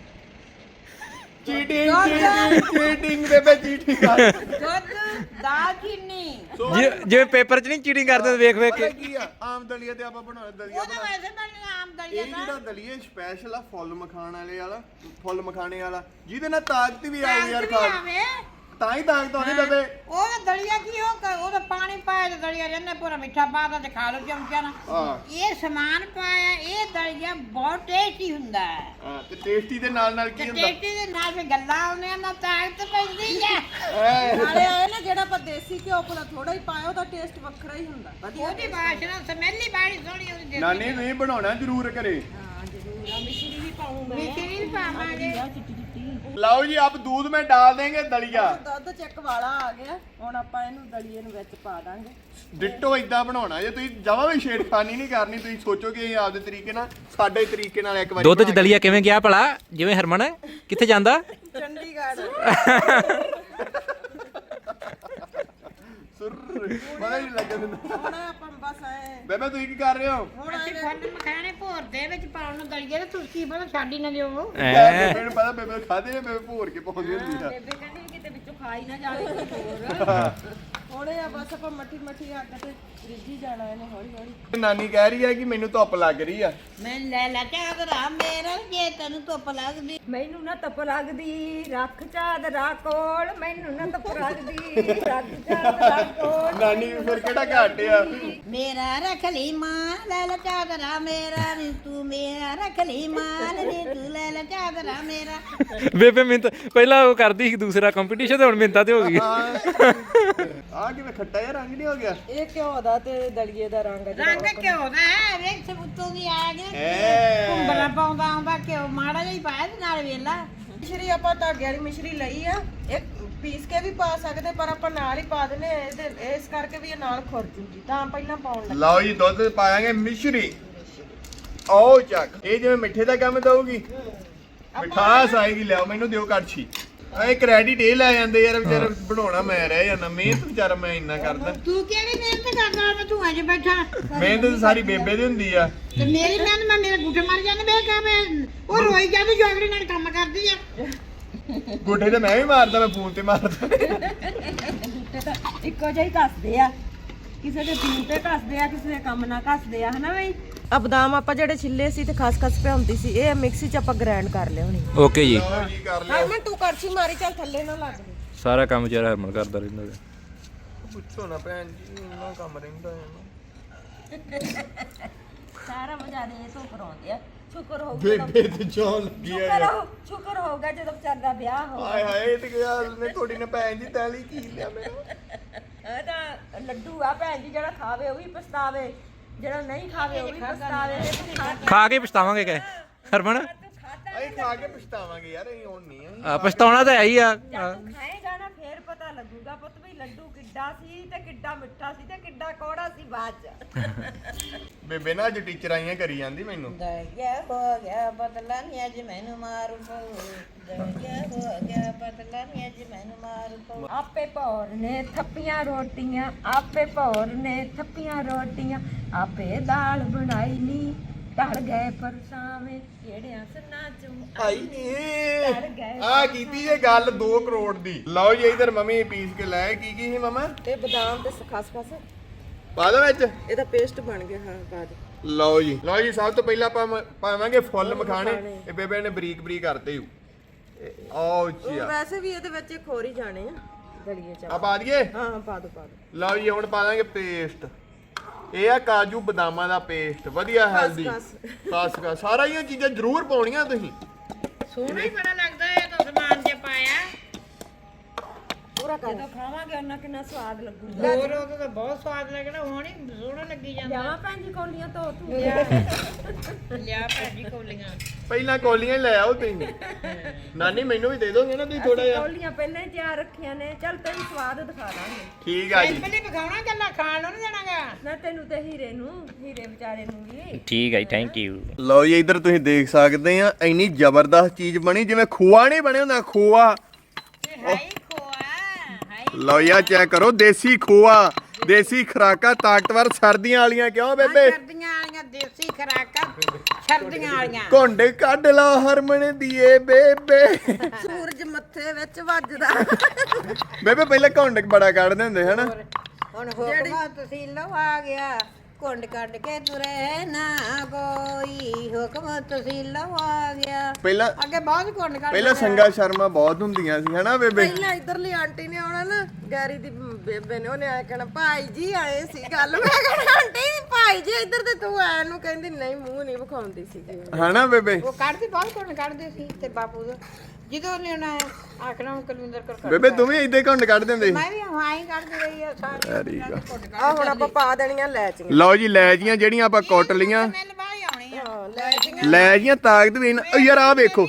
S1: ਚੀਟਿੰਗ ਚੀਟਿੰਗ ਚੀਟਿੰਗ ਬੇਬੇ ਚੀਟਿੰਗ ਕਰ।
S2: ਦੁੱਧ, ਦਾਲਚੀਨੀ।
S4: ਜਿ- ਜਿਵੇਂ ਪੇਪਰ 'ਚ ਨਹੀਂ ਚੀਟਿੰਗ ਕਰਦੇ ਵੇਖ ਵੇਖ
S1: ਪਤਾ
S4: ਕੇ।
S1: ਕੀ ਆ, ਆਮ ਦਲੀਆ ਤੇ ਆਪਾਂ ਬਣਾਉਣਾ ਦਲੀਆ
S2: ਉਹ ਤਾਂ
S1: ਬਣਾ
S2: ਵੈਸੇ ਬਣਨੀ ਆਮ ਦਲੀਆ
S1: ਇਹ
S2: ਦਾ।
S1: ਜਿਹੜਾ ਦਲੀਆ ਸਪੈਸ਼ਲ ਆ ਫੁੱਲ ਮਖਾਣ ਵਾਲੇ ਵਾਲਾ, ਫੁੱਲ ਮਖਾਣੇ ਵਾਲਾ, ਜਿਹਦੇ ਨਾਲ ਤਾਕਤ ਵੀ ਆਉ ਯਾਰ ਖਾ
S2: ਆਵੇ
S1: ਤਾਂ ਹੀ ਤਾਕਤ ਆਉਂਦੀ ਬੇਬੇ।
S2: ਉਹ ਤਾਂ ਦਲੀਆ ਕੀ ਉਹ ਕ- ਉਹਦਾ ਪਾਣੀ ਪਾਇਆ ਤੇ ਦਲੀਆ ਜੰਨੇ ਪੂਰਾ ਮਿੱਠਾ ਪਾਦਾ ਤੇ ਖਾ ਲਓ ਚਮਚਾ ਨਾਲ।
S1: ਹਾਂ
S2: ਇਹ ਸਮਾਨ ਪਾਇਆ, ਇਹ ਦਲੀਆ ਬਹੁਤ ਟੇਸਟੀ ਹੁੰਦਾ ਹੈ।
S1: ਹਾਂ, ਤੇ ਟੇਸਟੀ ਦੇ ਨਾਲ ਨਾਲ
S2: ਤੇ
S1: ਕੀ ਹੁੰਦਾ?
S2: ਟੇਸਟੀ ਦੇ ਨਾਲ ਵੀ ਗੱਲਾਂ ਆਉਂਦੀਆਂ ਨਾ ਤਾਕਤ ਪੈਂਦੀ ਹੈ।
S1: ਐ,
S3: ਨਾਲੇ ਇਹ ਨਾ ਜਿਹੜਾ ਆਪਾਂ ਦੇਸੀ ਘਿਓ ਕੋਲ ਥੋੜਾ ਹੀ ਪਾਇਆ, ਉਹਦਾ ਟੇਸਟ ਵੱਖਰਾ ਹੀ ਹੁੰਦਾ। ਵਧੀਆ
S2: ਉਹਦੀ ਬਾਸ਼ਨਾ ਸਮੈਲ ਹੀ ਬੜੀ ਸੋਹਣੀ ਉਹਦੀ ਦੇਸੀ।
S1: ਨਾਨੀ ਤੁਸੀਂ ਬਣਾਉਣਾ ਜ਼ਰੂਰ ਕਰੇ।
S3: ਹਾਂ ਜ਼ਰੂਰ ਆ, ਮਿਸ਼ਰੀ ਵੀ ਪਾਉਂ ਮੈਂ।
S2: ਮਿਸ਼ਰੀ ਵੀ ਪਾਵਾਂਗੇ।
S3: ਆਹ ਚਿੱਟੀ ਚਿੱਟੀ
S1: लाओ जी अब दूध में डाल देंगे दलिया
S3: ਦੁੱਧ ਚੱਕ ਵਾਲਾ ਆ ਗਿਆ ਹੁਣ ਆਪਾਂ ਇਹਨੂੰ ਦਲੀਏ ਨੂੰ ਵਿੱਚ ਪਾ ਦਾਂਗੇ
S1: ਡਿੱਟੋ ਇਦਾਂ ਬਣਾਉਣਾ ਜੇ ਤੁਸੀਂ ਜਮਾਂ ਵੀ ਛੇੜਖਾਨੀ ਨਹੀਂ ਕਰਨੀ ਤੁਸੀਂ ਸੋਚੋ ਕਿ ਇਹ ਆਪਦੇ ਤਰੀਕੇ ਨਾਲ ਸਾਡੇ ਤਰੀਕੇ ਨਾਲ ਇੱਕ ਵਾਰੀ
S4: ਦੁੱਧ ਚ ਦਲੀਆ ਕਿਵੇਂ ਗਿਆ ਭਲਾ ਜਿਵੇਂ ਹਰਮਨ ਕਿੱਥੇ ਜਾਂਦਾ
S3: ਚੰਡੀਗੜ੍ਹ
S1: ਸੁਰ ਪਤਾ ਹੀ ਨਹੀਂ ਲੱਗਦਾ
S3: ਹੁਣ ਆਪਾਂ ਬਸ ਆਏ
S1: ਬੇਬੇ ਤੁਸੀਂ ਕੀ ਕਰ ਰਹੇ ਹੋ
S2: ਅਸੀਂ ਫੁੱਲ ਮਖਾਣੇ ਭੋਰ ਦੇ ਵਿੱਚ ਪਾਉਣ ਨੂੰ ਦਲੀਏ ਤੇ ਤੁਸੀਂ ਕੀ ਪਤਾ ਛੱਡ ਹੀ ਨਾ ਦਿਓ
S1: ਬੇਬੇ ਨੂੰ ਪਤਾ ਬੇਬੇ ਖਾਦੇ ਨੇ ਬੇਬੇ ਭੋਰ ਕੇ ਪਾਉਂਦੀ ਹੁੰਦੀ ਆ
S3: ਬੇਬੇ ਕਹਿੰਦੀ ਵੀ ਕਿਤੇ ਵਿੱਚੋਂ ਖਾ ਹੀ ਨਾ ਜਾਵੇ ਕੋਈ ਹੋਰ ਹੁਣੇ ਆ ਬਸ ਆਪਾਂ ਮੱਠੀ ਮੱਠੀ ਅੱਗ ਤੇ ਰਿੱਝੀ ਜਾਣਾ ਇਹਨੇ ਹੌਲੀ ਹੌਲੀ
S1: ਨਾਨੀ ਕਹਿ ਰਹੀ ਹੈ ਕਿ ਮੈਨੂੰ ਧੁੱਪ ਲੱਗ ਰਹੀ ਆ
S2: ਮੈਂ ਲੈ ਲੈ ਚਾਦਰਾ ਮੇਰਾ ਜੇ ਤੈਨੂੰ ਧੁੱਪ ਲੱਗਦੀ
S3: ਮੈਨੂੰ ਨਾ ਧੁੱਪ ਲੱਗਦੀ ਰੱਖ ਚਾਦਰਾ ਕੋਲ ਮੈਨੂੰ ਨਾ ਧੁੱਪ ਲੱਗਦੀ ਰੱਖ ਚਾਦਰਾ ਕੋਲ
S1: ਨਾਨੀ ਫਿਰ ਕਿਹੜਾ ਘੱਟ ਆ
S2: ਮੇਰਾ ਰੱਖ ਲਈ ਮਾਂ ਲੈ ਲੈ ਚਾਦਰਾ ਮੇਰਾ ਨੀ ਤੂੰ ਮੇਰਾ ਰੱਖ ਲਈ ਮਾਂ ਨੀ ਤੂੰ ਲੈ ਲੈ ਚਾਦਰਾ ਮੇਰਾ
S4: ਬੇਬੇ ਮਿੰਤ ਪਹਿਲਾਂ ਉਹ ਕਰਦੀ ਸੀ ਦੂਸਰਾ ਕੰਪੀਟੀਸ਼ਨ ਤੇ ਹੁਣ ਮਿੰਤਾ ਤੇ ਹੋ ਗਈ
S1: ਆ ਕਿਵੇਂ ਖੱਟਾ ਜਿਹਾ ਰੰਗ ਨਹੀਂ ਹੋ ਗਿਆ
S3: ਇਹ ਘਿਓ ਦਾ ਤੇ ਦਲੀਏ ਦਾ ਰੰਗ
S2: ਰੰਗ ਘਿਓ ਦਾ ਹੈ ਵੇਖ ਸਬੂਤੋਂ ਦੀ ਆ ਗਿਆ
S1: ਐ
S2: ਕੁੰਬਲਾ ਪਾਉਂਦਾ ਆਉਂਦਾ ਘਿਓ ਮਾੜਾ ਜਿਹਾ ਹੀ ਪਾਇਆ ਤੇ ਨਾਲ ਵੇਲਾ
S3: ਮਿਸ਼ਰੀ ਆਪਾਂ ਧਾਗੇ ਵਾਲੀ ਮਿਸ਼ਰੀ ਲਈ ਆ ਇਹ ਪੀਸ ਕੇ ਵੀ ਪਾ ਸਕਦੇ ਪਰ ਆਪਾਂ ਨਾਲ ਹੀ ਪਾ ਦਿੰਨੇ ਆ ਇਹਦੇ ਇਸ ਕਰਕੇ ਵੀ ਇਹ ਨਾਲ ਖੁਰ ਜੂਗੀ ਤਾਂ ਪਹਿਲਾਂ ਪਾਉਣ ਲੱਗੇ
S1: ਲਓ ਜੀ ਦੁੱਧ ਪਾਵਾਂਗੇ ਮਿਸ਼ਰੀ ਆਓ ਚੱਕ ਇਹ ਜਿਵੇਂ ਮਿੱਠੇ ਦਾ ਕੰਮ ਦਊਗੀ ਮਿਠਾਸ ਆਏਗੀ ਲਿਆਓ ਮੈਨੂੰ ਦਿਓ ਕੜਛੀ ਇਹ ਕ੍ਰੈਡਿਟ ਇਹ ਲੈ ਜਾਂਦੇ ਯਾਰ ਵਿਚਾਰਾ ਬਣਾਉਣਾ ਮੈਂ ਰਹਿ ਜਾਂਦਾ ਮਿਹਨਤ ਵਿਚਾਰਾ ਮੈਂ ਇੰਨਾ ਕਰਦਾ
S2: ਤੂੰ ਕਿਹੜੀ ਮਿਹਨਤ ਕਰਦਾ ਮੈਂ ਤੂੰ ਅਜੇ ਬੈਠਾ
S1: ਮਿਹਨਤ ਤਾਂ ਸਾਰੀ ਬੇਬੇ ਦੀ ਹੁੰਦੀ ਆ
S2: ਤੇ ਮੇਰੀ ਮਿਹਨਤ ਮੈਂ ਮੇਰੇ ਗੁੱਟੇ ਮਾਰ ਜਾਂਦੇ ਮੈਂ ਕਹਾਂ ਮੈਂ ਉਹ ਰੋਈ ਜਾਂਦੀ ਜੋਗੜੀ ਨਾਲ ਕੰਮ ਕਰਦੀ ਆ
S1: ਗੋਠੇ ਤੇ ਮੈਂ ਵੀ ਮਾਰਦਾ ਮੈਂ ਫੋਨ ਤੇ ਮਾਰਦਾ
S3: ਇੱਕੋ ਜਿਹਾ ਹੀ ਕੱਸਦੇ ਆ ਕਿਸੇ ਦੇ ਪੀਣ ਤੇ ਕੱਸਦੇ ਆ ਕਿਸੇ ਦੇ ਕੰਮ ਨਾਲ ਕੱਸਦੇ ਆ ਹਨਾ ਬਈ ਆ ਬਦਾਮ ਆਪਾਂ ਜਿਹੜੇ ਛਿੱਲੇ ਸੀ ਤੇ ਖਸਖਸ ਭਿਉਂਦੀ ਸੀ ਇਹ ਮਿਕਸੀ ਚ ਆਪਾਂ ਗ੍ਰਾਈਂਡ ਕਰ ਲਿਆਉਣੀ
S4: ਓਕੇ ਜੀ
S1: ਲਓ ਜੀ ਕਰ ਲਿਆ
S3: ਹਰਮਨ ਤੂੰ ਕਰਛੀ ਮਾਰੀ ਚੱਲ ਥੱਲੇ ਨਾ ਲੱਗ ਜੇ
S4: ਸਾਰਾ ਕੰਮ ਵਿਚਾਰਾ ਹਰਮਨ ਕਰਦਾ ਰਹਿੰਦਾ ਹੈ
S1: ਪੁੱਛੋ ਨਾ ਭੈਣ ਜੀ ਇੰਨਾ ਕੰਮ ਰਹਿੰਦਾ ਹੈ
S3: ਸਾਰਾ ਮਜ਼ਾ ਦੇ ਇਹ ਤੋਂ ਕਰਾਉਂਦੇ ਆ ਸ਼ੁਕਰ ਹੋਊਗਾ
S1: ਬੇਬੇ ਤੇ ਜੋਨ ਲੱਗੀ ਆ
S3: ਸ਼ੁਕਰ ਹੋ ਸ਼ੁਕਰ ਹੋਊਗਾ ਜਦੋਂ ਵਿਚਾਰ ਦਾ ਵਿਆਹ ਹੋ
S1: ਹਾਏ ਹਾਏ ਇਹ ਤੇ ਗੱਲ ਨੇ ਤੁਹਾਡੀ ਨੇ ਭੈਣ ਜੀ ਤੈਲੀ ਕੀ ਲਿਆ ਮੈਨੂੰ
S3: ਇਹ ਤਾਂ ਲੱਡੂ ਆ ਭੈਣ ਜੀ ਜਿਹੜਾ ਖਾਵੇ ਉਹ ਵੀ ਪਛਤਾਵੇ ਜਿਹੜਾ ਨਹੀਂ ਖਾਵੇ ਉਹ ਵੀ ਪਛਤਾਵੇ ਇਹ ਤੂੰ ਖਾ
S4: ਖਾ ਕੇ ਪਛਤਾਵਾਂਗੇ ਕਹੇ ਹਰਮਨ
S1: ਅਸੀਂ ਖਾ ਕੇ ਪਛਤਾਵਾਂਗੇ ਯਾਰ ਅਸੀਂ ਹੁਣ ਨਹੀਂ
S4: ਆ ਪਛਤਾਉਣਾ ਤਾਂ ਹੈ ਹੀ ਆ
S3: ਜਦ ਤੂੰ ਖਾਏਗਾ ਨਾ ਫੇਰ ਪਤਾ ਲੱਗੂਗਾ ਪੁੱਤ ਵੀ ਲੱਡੂ ਕਿੱਡਾ ਸੀ ਤੇ ਕਿੱਡਾ ਮਿੱਠਾ ਸੀ ਤੇ ਕਿੱਡਾ ਕੌੜਾ ਸੀ ਬਾਅਦ ਚ
S1: ਬੇਬੇ ਨਾ ਅੱਜ ਟੀਚਰ ਆਈਆਂ ਕਰੀ ਜਾਂਦੀ ਮੈਨੂੰ
S2: ਦਰਿਆ ਹੋ ਗਿਆ ਬਦਲਾ ਨੀ ਅੱਜ ਮੈਨੂੰ ਮਾਰੂ ਪਊ ਦਰਿਆ ਹੋ ਗਿਆ ਬਦਲਾ ਨੀ ਅੱਜ ਮੈਨੂੰ ਮਾਰੂ ਪਊ
S3: ਆਪੇ ਭੌਰ ਨੇ ਥੱਪੀਆਂ ਰੋਟੀਆਂ ਆਪੇ ਭੌਰ ਨੇ ਥੱਪੀਆਂ ਰੋਟੀਆਂ ਆਪੇ ਦਾਲ ਬਣਾਈ ਨੀ ਢਲ ਗਏ ਪਰਸਾਵੇਂ ਕਿਹੜਿਆਂ ਸਨਾ ਚ
S1: ਆਈ ਨੀ ਆ ਕੀਤੀ ਇਹ ਗੱਲ ਦੋ ਕਰੋੜ ਦੀ ਲਓ ਜੀ ਇਧਰ ਮੰਮੀ ਪੀਸ ਕੇ ਲੈ ਕੀ ਕੀ ਸੀ ਮਮਾ
S3: ਤੇ ਬਦਾਮ ਤੇ ਖਸਖਸ
S1: ਪਾ ਦੋ ਵਿੱਚ
S3: ਇਹਦਾ ਪੇਸਟ ਬਣ ਗਿਆ ਹਾਂ ਬਾਅਦ
S1: ਲਓ ਜੀ ਲਓ ਜੀ ਸਭ ਤੋਂ ਪਹਿਲਾਂ ਆਪਾਂ ਮ- ਪਾਵਾਂਗੇ ਫੁੱਲ ਮਖਾਣੇ ਇਹ ਬੇਬੇ ਨੇ ਬਰੀਕ ਬਰੀਕ ਕਰਤੇ ਹੂ ਆਓ ਜੀ
S3: ਵੈਸੇ ਵੀ ਇਹਦੇ ਵਿੱਚ ਖੋਰੀ ਜਾਣੇ ਆ ਦਲੀਏ ਚ
S1: ਆ ਪਾ ਦਈਏ
S3: ਹਾਂ ਪਾ ਦੋ ਪਾ ਦੋ
S1: ਲਓ ਜੀ ਹੁਣ ਪਾ ਦਾਂਗੇ ਪੇਸਟ ਇਹ ਆ ਕਾਜੂ ਬਦਾਮਾਂ ਦਾ ਪੇਸਟ ਵਧੀਆ ਹੈਲਦੀ ਖਾਸ ਖਾਸ ਸਾਰਾ ਇਹ ਚੀਜ਼ਾਂ ਜ਼ਰੂਰ ਪਾਉਣੀਆਂ ਤੁਸੀਂ
S2: ਸੋਹਣਾ ਹੀ ਬੜਾ ਲੱਗਦਾ ਹੈ ਤਾਂ ਸਮਾਨ ਜੇ ਪਾਇਆ
S3: ਪੂਰਾ ਕਰ ਜਦੋਂ ਖਾਵਾਂਗੇ ਉਹਨਾਂ ਕਿੰਨਾ ਸਵਾਦ ਲੱਗੂਗਾ
S2: ਹੋਰ ਉਹ ਤਾਂ ਬਹੁਤ ਸਵਾਦ ਲੱਗਣਾ ਹੁਣ ਹੀ ਸੋਹਣਾ ਲੱਗੀ ਜਾਂਦਾ
S3: ਲਿਆਵਾਂ ਭੈਣ ਜੀ ਕੌਲੀਆਂ ਤੋਂ ਤੂੰ
S2: ਲਿਆ ਭਾਜੀ ਕੋਲੀਆਂ
S1: ਪਹਿਲਾਂ ਕੌਲੀਆਂ ਹੀ ਲੈ ਆਓ ਤੁਸੀਂ ਨਾਨੀ ਮੈਨੂੰ ਵੀ ਦੇ ਦੋਗੇ ਨਾ ਤੁਸੀਂ ਥੋੜਾ ਜਿਹਾ
S3: ਕੌਲੀਆਂ ਪਹਿਲਾਂ ਹੀ ਤਿਆਰ ਰੱਖੀਆਂ ਨੇ ਚੱਲ ਤੈਨੂੰ ਸਵਾਦ ਦਿਖਾ ਦਾਂਗੇ
S1: ਠੀਕ ਆ ਜੀ
S2: ਪਹਿਲੇ ਪਕਾਉਣਾ ਗੱਲਾਂ ਖਾਣ ਨੂੰ ਨਹੀਂ ਦੇਣਾਗਾ
S3: ਨਾ ਤੈਨੂੰ ਤੇ ਹੀਰੇ ਨੂੰ ਹੀਰੇ ਵਿਚਾਰੇ ਨੂੰ ਵੀ
S4: ਠੀਕ ਹੈ ਜੀ ਥੈਂਕ ਯੂ
S1: ਲਓ ਜੀ ਇੱਧਰ ਤੁਸੀਂ ਦੇਖ ਸਕਦੇ ਆ ਇੰਨੀ ਜ਼ਬਰਦਸਤ ਚੀਜ਼ ਬਣੀ ਜਿਵੇਂ ਖੋਆ ਨਹੀਂ ਬਣਿਆ ਹੁੰਦਾ ਖੋਆ
S2: ਹਾਈ ਖੋਆ ਹਾਈ
S1: ਲਓ ਯਾ ਚੈੱਕ ਕਰੋ ਦੇਸੀ ਖੋਆ ਦੇਸੀ ਖਰਾਕਾ ਤਾਕਤਵਰ ਸਰਦੀਆਂ ਵਾਲੀਆਂ ਕਿਉਂ ਬੇਬੇ
S2: ਸਰਦੀਆਂ ਵਾਲੀਆਂ ਦੇਸੀ ਖਰਾਕਾਂ ਸਰਦੀਆਂ ਵਾਲੀਆਂ
S1: ਘੁੰਡ ਕੱਢ ਲਾ ਹਰਮਨ ਦੀਏ ਬੇਬੇ
S3: ਸੂਰਜ ਮੱਥੇ ਵਿੱਚ ਵੱਜਦਾ
S1: ਬੇਬੇ ਪਹਿਲਾਂ ਘੁੰਡ ਬੜਾ ਕੱਢਦੇ ਹੁੰਦੇ ਹਨਾ
S2: ਹੁਣ ਹੁਕਮਾ ਤੁਸੀਂ ਲਓ ਆ ਗਿਆ ਕੁੰਡ ਕੱਢ ਕੇ ਤੁਰੇ ਨਾ ਕੋਈ ਹੁਕਮ ਤੁਸੀਂ ਲਓ ਆ ਗਿਆ
S1: ਪਹਿਲਾਂ
S2: ਅੱਗੇ ਬਹੁਤ ਕੁੰਡ ਕੱਢ
S1: ਪਹਿਲਾਂ ਸੰਗਾ ਸ਼ਰਮਾ ਬਹੁਤ ਹੁੰਦੀਆਂ ਸੀ ਹਨਾ ਬੇਬੇ
S3: ਪਹਿਲਾਂ ਇਧਰਲੀ ਆਂਟੀ ਨੇ ਆਉਣਾ ਨਾ ਗੈਰੀ ਦੀ ਬੇਬੇ ਨੇ ਉਹਨੇ ਆਇਆ ਕਹਿਣਾ ਭਾਈ ਜੀ ਆਏ ਸੀ ਗੱਲ ਮੈਂ ਕਹਿਣਾ ਆਂਟੀ ਭਾਈ ਜੀ ਇੱਧਰ ਤੇ ਤੂੰ ਆਇਆ ਨੂੰ ਕਹਿੰਦੀ ਨਹੀਂ ਮੂੰਹ ਨਹੀਂ ਵਿਖਾਉਂਦੀ ਸੀਗੀ
S1: ਹਨਾ ਬੇਬੇ
S2: ਉਹ ਕੱਢਦੇ ਬਹੁਤ ਕੁੰਡ ਕੱਢਦੇ ਸੀ ਤੇ ਬਾਪੂ ਦਾ ਜਦੋਂ ਉਹਨੇ ਉਹਨਾਂ ਆਖਣਾ ਉਹ ਕੁਲਵਿੰਦਰ ਕਰ ਕੱਢ
S1: ਬੇਬੇ ਤੂੰ ਵੀ ਏਦਾਂ ਘੁੰਡ ਕੱਢ ਦਿੰਦੇ ਸੀ
S2: ਮੈਂ ਵੀ ਹਾਂ ਹੀ ਕੱਢਦੀ ਰਹੀ ਆ ਸਾਰੀ
S3: ਆ ਹੁਣ ਆਪਾਂ ਪਾ ਦੇਣੀਆਂ ਲੈਚੀਆਂ
S1: ਲਓ ਜੀ ਲੈ ਜੀਆਂ ਜਿਹੜੀਆਂ ਆਪਾਂ ਕੁੱਟ ਲੀਆਂ
S2: ਸਮੈਲ ਬਾਹਲੀ ਆਉਣੀ ਆ
S3: ਹਾਂ ਲੈਚੀਆਂ
S1: ਲੈ ਜੀਆਂ ਤਾਕਤ ਵੀ ਇਹਨਾਂ- ਓ ਯਾਰ ਆ ਵੇਖੋ
S2: ਨਹੀਂ ਆਏਗੀ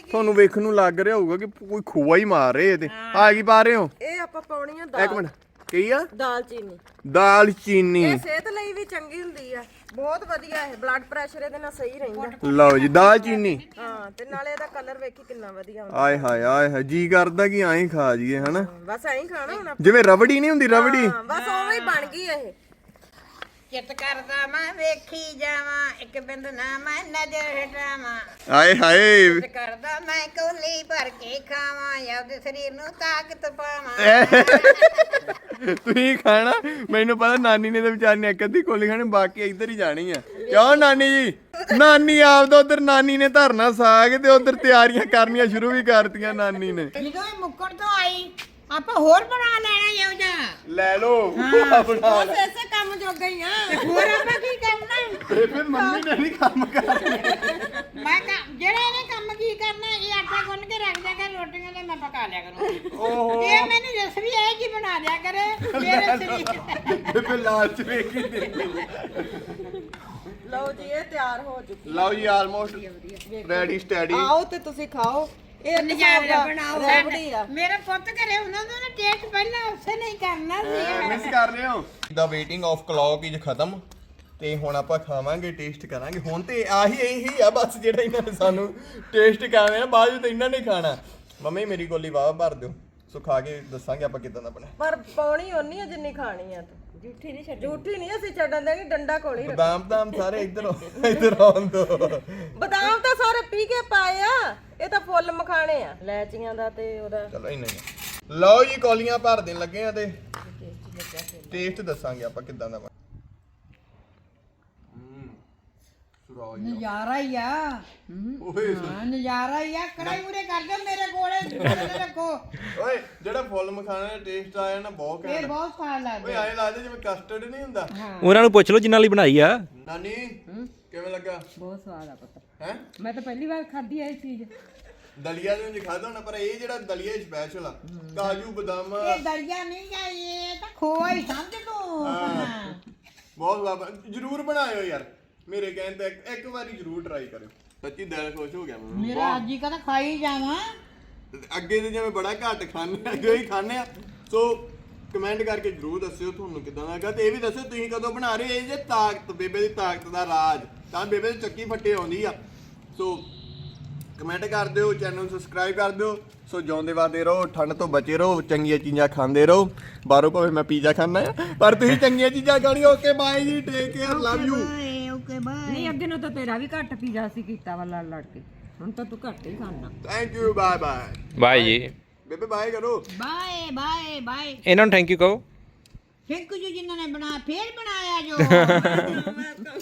S1: ਤੁਹਾਨੂੰ ਵੇਖਣ ਨੂੰ ਲੱਗ ਰਿਹਾ ਹੋਊਗਾ ਕਿ ਕੋਈ ਖੋਆ ਹੀ ਮਾਰ ਰਹੇ ਇਹਦੇ ਆ ਕੀ ਪਾ ਰਹੇ ਹੋ
S3: ਇਹ ਆਪਾਂ ਪਾਉਣੀ ਆ
S1: ਇੱਕ
S3: ਦਾਲ
S1: ਮਿੰਟ ਕੀ ਆ
S3: ਦਾਲਚੀਨੀ
S1: ਦਾਲ ਚੀਨੀ
S3: ਇਹ ਸਿਹਤ ਲਈ ਵੀ ਚੰਗੀ ਹੁੰਦੀ ਆ ਬਹੁਤ ਵਧੀਆ ਹੈ ਬਲੱਡ ਪ੍ਰੈਸ਼ਰ ਇਹਦੇ ਨਾਲ ਸਹੀ ਰਹਿੰਦਾ
S1: ਲਓ ਜੀ ਦਾਲ ਚੀਨੀ
S3: ਹਾਂ ਤੇ ਨਾਲੇ ਇਹਦਾ ਕਲਰ ਵੇਖੀ ਕਿੰਨਾ ਵਧੀਆ ਹੁੰਦਾ
S1: ਆਏ ਹਾਏ ਆਏ ਹਾਏ ਜੀ ਕਰਦਾ ਕਿ ਐਂ ਖਾ ਜੀਏ ਹਨਾ
S3: ਬਸ ਐਂ ਹੀ ਖਾਣਾ ਹੁਣ ਆਪਾਂ।
S1: ਜਿਵੇਂ ਰਬੜੀ ਨਹੀਂ ਹੁੰਦੀ ਰਬੜੀ
S3: ਹਾਂ ਬਸ ਉਵੇਂ ਹੀ ਬਣ ਗਈ ਇਹ
S2: ਚਿੱਤ ਕਰਦਾ ਮੈਂ ਵੇਖੀ ਜਾਵਾਂ ਇੱਕ ਬਿੰਦ ਨਾ ਮੈਂ ਨਜ਼ਰ ਹਟਾਵਾਂ
S1: ਆਏ ਹਾਏ
S2: ਚਿੱਤ ਕਰਦਾ ਮੈਂ ਕੋਲੀ ਭਰ ਕੇ ਖਾਵਾਂ ਆਪਦੇ ਸਰੀਰ ਨੂੰ ਤਾਕਤ ਪਾਵਾਂ
S1: ਤੁਸੀਂ ਖਾਣਾ ਮੈਨੂੰ ਪਤਾ ਨਾਨੀ ਨੇ ਤੇ ਵਿਚਾਰੀ ਨੇ ਇੱਕ ਅੱਧੀ ਕੋਲੀ ਖਾਣੀ ਬਾਕੀ ਇੱਧਰ ਹੀ ਜਾਣੀ ਆ ਕਿਉਂ ਨਾਨੀ ਜੀ ਨਾਨੀ ਆਪਦਾ ਉਧਰ ਨਾਨੀ ਨੇ ਧਰਨਾ ਸਾਗ ਤੇ ਉਧਰ ਤਿਆਰੀਆਂ ਕਰਨੀਆਂ ਸ਼ੁਰੂ ਵੀ ਕਰਤੀਆਂ ਨਾਨੀ ਨੇ
S2: ਜਦੋਂ ਇਹ ਮੁੱਕੜ ਤੋਂ ਆਈ ਆਪਾਂ ਹੋਰ ਬਣਾ ਲੈਣਾ ਇਹੋ ਜਿਹਾ
S1: ਲੈ ਲੋ ਆਪਣਾ
S3: ਬਸ ਐਸੇ ਕੰਮ ਜੋਗਾ ਹੀ ਆ
S2: ਹੋਰ ਆਪਾਂ ਕੀ ਕਰਨਾ
S1: ਬੇਬੇ ਮੰਮੀ ਨੇ ਨਹੀਂ ਕੰਮ ਕਰਨਾ
S2: ਮੈਂ ਕੰਮ ਜਿਹੜਾ ਇਹਨੇ ਕੰਮ ਕੀ ਕਰਨਾ ਇਹ ਆਟਾ ਗੁੰਨ ਕੇ ਰੱਖ ਦਿਆ ਕਰ ਰੋਟੀਆਂ ਤੇ ਮੈਂ ਪਕਾ ਲਿਆ ਕਰੂੰ
S1: ਓਹੋ
S2: ਇਹ ਮੈਨੂੰ ਰੈਸਪੀ ਇਹ ਜੀ ਬਣਾ ਦਿਆ ਕਰੇ ਮੇਰੇ ਸਰੀਰ
S1: ਬੇਬੇ ਲਾਲਚ ਵੇਖੀ ਦੇ
S3: ਲਓ ਜੀ ਇਹ ਤਿਆਰ ਹੋ ਚੁੱਕੀ
S1: ਲਓ ਜੀ ਆਲਮੋਸਟ ਰੈਡੀ ਸਟੈਡੀ
S3: ਆਓ ਤੇ ਤੁਸੀਂ ਖਾਓ ਇਹ
S2: ਨਜ਼ਾਰਾ ਬਣਾਓ
S3: ਰਬੜੀ ਆ
S2: ਮੇਰੇ ਪੁੱਤ ਘਰੇ ਉਹਨਾਂ ਦਾ ਨਾ ਟੇਸਟ ਪਹਿਲਾਂ ਉਸੇ ਨਹੀਂ ਕਰਨਾ ਸੀ
S1: ਮਿਸ ਕਰ ਰਹੇ ਹੋ ਦਾ ਵੇਟਿੰਗ ਆਫ ਕਲੌਕ ਇਜ ਖਤਮ ਤੇ ਹੁਣ ਆਪਾਂ ਖਾਵਾਂਗੇ ਟੇਸਟ ਕਰਾਂਗੇ ਹੁਣ ਤੇ ਆਹੀ ਇਹੀ ਆ ਬਸ ਜਿਹੜਾ ਇਹਨਾਂ ਨੇ ਸਾਨੂੰ ਟੇਸਟ ਕਰਾਉਣਾ ਬਾਅਦ ਵਿੱਚ ਇਹਨਾਂ ਨੇ ਖਾਣਾ ਮੰਮੀ ਮੇਰੀ ਗੋਲੀ ਵਾਹ ਭਰ ਦਿਓ ਸੋ ਖਾ ਕੇ ਦੱਸਾਂਗੇ ਆਪਾਂ ਕਿਦਾਂ ਦਾ ਬਣਿਆ
S3: ਪਰ ਪਾਉਣੀ ਓਨੀ ਆ ਜਿੰਨੀ ਖਾਣੀ ਆ ਤੂੰ ਝੂਠੀ ਨਹੀਂ ਛੱਡ ਝੂਠੀ ਨਹੀਂ ਅਸੀਂ ਛੱਡਣ ਦੇਣੀ ਡੰਡਾ ਕੋਲ ਹੀ ਰੱਖ
S1: ਬਦਾਮ ਬਦਾਮ ਸਾਰੇ ਇੱਧਰ ਆਓ- ਇੱਧਰ ਆਉਣ ਦੋ
S3: ਬਦਾਮ ਤਾਂ ਸਾਰੇ ਪੀ ਕੇ ਪਾਏ ਆ ਇਹ ਤਾਂ ਫੁੱਲ ਮਖਾਣੇ ਆ ਲੈਚੀਆਂ ਦਾ ਤੇ ਉਹਦਾ
S1: ਚਲੋ ਇੰਨਾ ਹੀ ਲਓ ਜੀ ਕੌਲੀਆਂ ਭਰ ਦੇਣ ਲੱਗੇ ਆ ਤੇ ਟੇਸਟ ਦੱਸਾਂਗੇ ਆਪਾਂ ਕਿਦਾਂ ਦਾ ਬਣਿਆ ਸੁਰਾਜ
S2: ਨਜ਼ਾਰਾ ਹੀ ਆ
S1: ਓਏ
S2: ਹਾਂ ਨਜ਼ਾਰਾ ਹੀ ਆ ਕੜਾਈ ਉਰੇ ਕਰ ਦਿਓ ਮੇਰੇ ਕੋਲੇ ਰੱਖੋ
S1: ਓਏ ਜਿਹੜਾ ਫੁੱਲ ਮਖਾਣੇ ਦਾ ਟੇਸਟ ਆਇਆ ਨਾ ਬਹੁਤ
S2: ਇਹ
S1: ਘੈਂਟ
S2: ਬਹੁਤ ਸਵਾਦ
S1: ਓਏ
S2: ਲੱਗਦਾ
S1: ਐਂ ਲੱਗਦਾ ਜਿਵੇਂ ਕਸਟਰਡ ਨਹੀਂ ਹੁੰਦਾ
S4: ਉਹਨਾਂ ਨੂੰ ਪੁੱਛ ਲਓ ਜਿਨ੍ਹਾਂ ਲਈ ਬਣਾਈ ਆ
S1: ਨਾਨੀ ਕਿਵੇਂ ਲੱਗਾ
S3: ਬਹੁਤ ਸਵਾਦ ਆ ਪੁੱਤ
S1: ਹੈ
S3: ਮੈਂ ਤਾਂ ਪਹਿਲੀ ਵਾਰ ਖਾਧੀ ਐ ਇਹ ਚੀਜ਼
S1: ਦਲੀਆ ਦੇ ਵਿੱਚ ਖਾਦਾ ਹੋਣਾ ਪਰ ਇਹ ਜਿਹੜਾ ਦਲੀਆ ਸਪੈਸ਼ਲ ਆ ਕਾਜੂ ਬਦਾਮ
S2: ਇਹ ਦਰਿਆ ਨਹੀਂ ਆ ਇਹ ਤਾਂ ਖੋਆ ਹੀ ਸਮਝ ਤੂੰ
S1: ਹਾਂ। ਬਹੁਤ ਸਵਾਦ ਜਰੂਰ ਬਣਾਇਓ ਯਾਰ ਮੇਰੇ ਕਹਿਣ ਤੇ ਇੱਕ- ਇੱਕ ਵਾਰੀ ਜਰੂਰ ਟਰਾਈ ਕਰਿਓ ਸੱਚੀ ਦਿਲ ਖੁਸ਼ ਹੋ ਗਿਆ ਮੈਨੂੰ
S2: ਮੇਰਾ ਅੱਜ ਹੀ ਕਦਾ ਖਾਈ ਜਾਵਾਂ
S1: ਅੱਗੇ ਤੇ ਜਿਵੇਂ ਬੜਾ ਘੱਟ ਖਾਂਦੇ ਆ ਜੋ ਹੀ ਖਾਂਦੇ ਆ ਸੋ ਕਮੈਂਟ ਕਰਕੇ ਜਰੂਰ ਦੱਸਿਓ ਤੁਹਾਨੂੰ ਕਿਦਾਂ ਲੱਗਾ ਤੇ ਇਹ ਵੀ ਦੱਸਿਓ ਤੁਸੀਂ ਕਦੋਂ ਬਣਾ ਰਹੇ ਹੋ ਇਹ ਜੇ ਤਾਕਤ ਬੇਬੇ ਦੀ ਤਾਕਤ ਦਾ ਰਾਜ ਤਾਂ ਬੇਬੇ ਦੀ ਚੱਕੀ ਫੱਟੇ ਆਉਂਦੀ ਆ ਸੋ ਕਮੈਂਟ ਕਰ ਦਿਓ ਚੈਨਲ ਨੂੰ ਸਬਸਕ੍ਰਾਈਬ ਕਰ ਦਿਓ ਸੋ ਜਿਉਂਦੇ ਵਾਦੇ ਰਹੋ ਠੰਡ ਤੋਂ ਬਚੇ ਰਹੋ ਚੰਗੀਆਂ ਚੀਜ਼ਾਂ ਖਾਂਦੇ ਰਹੋ ਬਾਹਰੋਂ ਭਾਵੇਂ ਮੈਂ ਪੀਜ਼ਾ ਖਾਣਾ ਆ ਪਰ ਤੁਸੀਂ ਚੰਗੀਆਂ ਚੀਜ਼ਾਂ ਖਾਣੀ ਓਕੇ ਬਾਏ ਜੀ take care love you
S2: okay bye
S3: ਨਹੀਂ ਅੱਗੇ ਨੂੰ ਤਾਂ ਤੇਰਾ ਵੀ ਘੱਟ ਪੀਜ਼ਾ ਸੀ ਕੀਤਾ ਵਾ ਲੜ ਲੜ ਕੇ ਹੁਣ ਤਾਂ ਤੂੰ ਘੱਟ ਹੀ ਖਾਣਾ
S1: ਥੈਂਕ ਯੂ ਬਾਏ ਬਾਏ
S4: ਬਾਈ ਜੀ
S1: ਬੇਬੇ ਬਾਏ ਕਰੋ
S2: ਬਾਏ ਬਾਏ ਬਾਏ
S4: ਇਹਨਾਂ ਨੂੰ ਥੈਂਕ ਯੂ ਕਹੋ
S2: ਥੈਂਕ ਯੂ ਜਿਨ੍ਹਾਂ ਨੇ ਬਣਾ ਫੇਰ ਬਣਾਇਆ ਜੋ